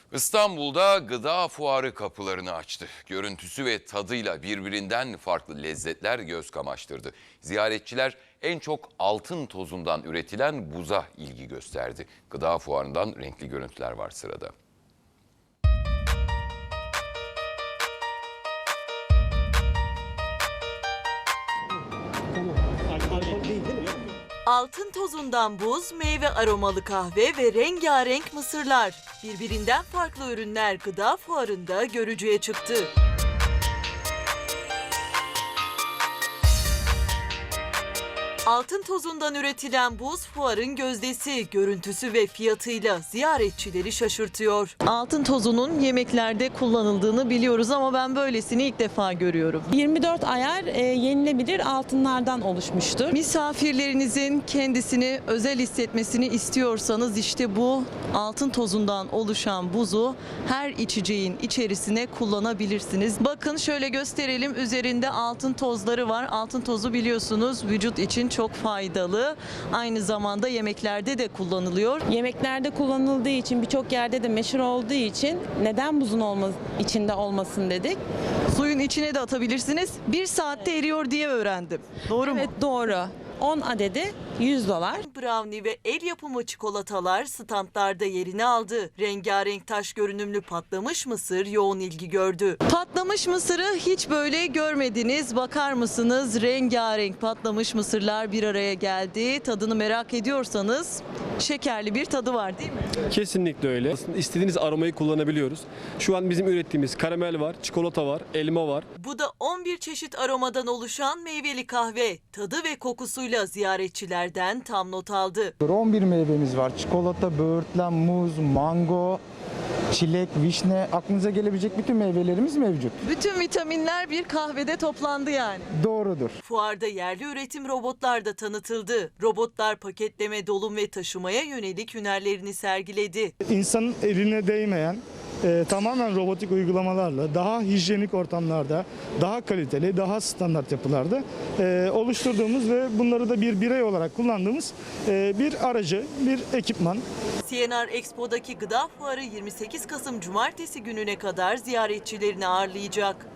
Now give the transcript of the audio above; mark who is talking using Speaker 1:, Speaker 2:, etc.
Speaker 1: İstanbul'da gıda fuarı kapılarını açtı. Görüntüsü ve tadıyla birbirinden farklı lezzetler göz kamaştırdı. Ziyaretçiler en çok altın tozundan üretilen buza ilgi gösterdi. Gıda fuarından renkli görüntüler var sırada.
Speaker 2: Altın tozundan buz, meyve aromalı kahve ve rengarenk mısırlar. Birbirinden farklı ürünler gıda fuarında görücüye çıktı. Altın tozundan üretilen buz fuarın gözdesi, görüntüsü ve fiyatıyla ziyaretçileri şaşırtıyor. Altın tozunun yemeklerde kullanıldığını biliyoruz ama ben böylesini ilk defa görüyorum.
Speaker 3: 24 ayar yenilebilir altınlardan oluşmuştur.
Speaker 2: Misafirlerinizin kendisini özel hissetmesini istiyorsanız işte bu altın tozundan oluşan buzu her içeceğin içerisine kullanabilirsiniz. Bakın şöyle gösterelim, üzerinde altın tozları var. Altın tozu biliyorsunuz vücut için çok faydalı. Aynı zamanda yemeklerde de kullanılıyor.
Speaker 3: Yemeklerde kullanıldığı için, birçok yerde de meşhur olduğu için neden buzun içinde olmasın dedik.
Speaker 2: Suyun içine de atabilirsiniz. 1 saatte eriyor diye öğrendim. Doğru mu?
Speaker 3: Evet, doğru. 10 adedi $100.
Speaker 2: Brownie ve el yapımı çikolatalar standlarda yerini aldı. Rengarenk taş görünümlü patlamış mısır yoğun ilgi gördü. Patlamış mısırı hiç böyle görmediniz. Bakar mısınız? Rengarenk patlamış mısırlar bir araya geldi. Tadını merak ediyorsanız şekerli bir tadı var değil mi?
Speaker 4: Kesinlikle öyle. Aslında istediğiniz aromayı kullanabiliyoruz. Şu an bizim ürettiğimiz karamel var, çikolata var, elma var.
Speaker 2: Bu da 11 çeşit aromadan oluşan meyveli kahve. Tadı ve kokusuyla ziyaretçilerden tam not aldı.
Speaker 5: 11 meyvemiz var. Çikolata, böğürtlen, muz, mango, çilek, vişne, aklınıza gelebilecek bütün meyvelerimiz mevcut.
Speaker 2: Bütün vitaminler bir kahvede toplandı yani.
Speaker 5: Doğrudur.
Speaker 2: Fuarda yerli üretim robotlar da tanıtıldı. Robotlar paketleme, dolum ve taşımaya yönelik hünerlerini sergiledi.
Speaker 6: İnsanın eline değmeyen tamamen robotik uygulamalarla daha hijyenik ortamlarda, daha kaliteli, daha standart yapılarda oluşturduğumuz ve bunları da bir birey olarak kullandığımız bir aracı, bir ekipman.
Speaker 2: CNR Expo'daki gıda fuarı 28 Kasım Cumartesi gününe kadar ziyaretçilerini ağırlayacak.